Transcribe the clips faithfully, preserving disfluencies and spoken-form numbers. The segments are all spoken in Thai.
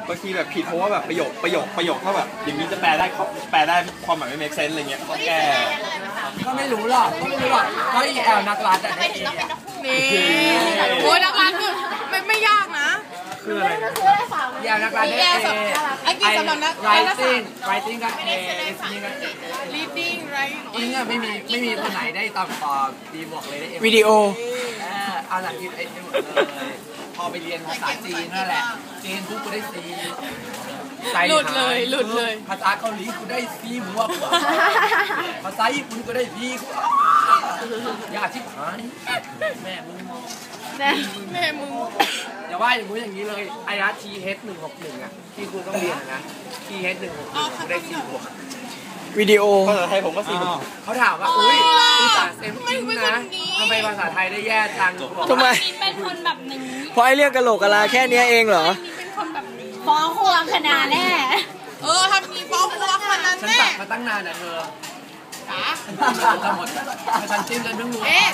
บางทีแบบผิดเพราะว่าแบบประโยคประโยคประโยคเขาแบบอย่างนี้จะแปลได้แปลได้ความหมายไม่ make sense อะไรเงี้ยก็แก้ก็ไม่รู้หรอกก็ไม่รู้หรอกก็อีแอลนักรัฐอ่ะนี่โอ้ยนักรัฐคือไม่ไม่ยากนะคืออะไรอีแอลนักรัฐได้เอไอ้กินสำหรับนัก writing writing ก็เอ listening ก็เอ reading right อิงอ่ะไม่มีไม่มีคนไหนได้ต่ำกว่าบีบวกเลยได้เอวิดีโอเอาหลังกินไอ้หมดเลยพอไปเรียนภาษาจีนนั่นแหละจีนปุ๊บกูได้ซีหลุดเลยหลุดเลยภาษาเกาหลีกูได้ซีบวกภาษาญี่ปุ่นกูได้บีกูยากชิบหายแม่มึงแม่แม่มึงอย่าว่าอย่างงู้นอย่างนี้เลยไอ้รัฐทีเฮดหนึ่งหกหนึ่งอ่ะที่ครูต้องเรียนนะทีเฮดหนึ่งหกหนึ่งกูได้ซีบวกวิดีโอภาษาไทยผมก็ซีบวกเขาถามว่าอุ้ยภาษาเซมอิงนะทำไมภาษาไทยได้แย่จังทำไมเป็นคนแบบนี้เพราะไอเรื่องกะโหลกกะลาแค่นี้เองเหรอเป็นคนแบบนี้ฟ้องครูรังคณาแน่เออถ้ามีฟ้องครูรังคณาแน่ฉันตัดมาตั้งนานอ่ะเธอจ๋าจะหมดฉันจิ้มจนเพิ่งรู้เอ๊ะ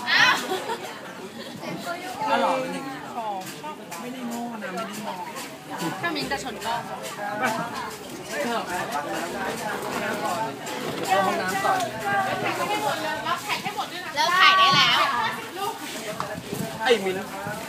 ถ้าหล่อเป็นอย่างนี้ไม่ได้โง่นะไม่ได้มองถ้ามินจะชนก็เธอห้องน้ำก่อนเลิกถ่ายได้แล้วไอ้มิน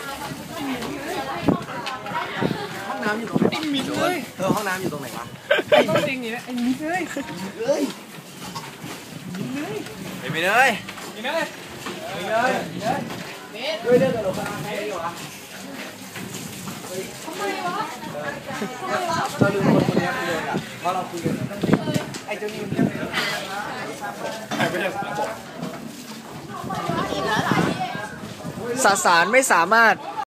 ห้องน้ำอยู่ตรงไหนไอ้มินเลยเธอห้องน้ำอยู่ตรงไหนวะไอ้จริงๆเนี่ยไอ้มินเลยเฮ้ยมินเลยไอ้มินเลยมินเลยมินเลยด้วยเรื่องกระโหลกกระลาใครอยู่วะทำไมวะเราลืมคนคนนี้ไปเลยอ่ะเพราะเราคุยกันไอ้เจ้านี่มันเรื่องอะไรใครไม่ได้สารบอกสสารไม่สามารถ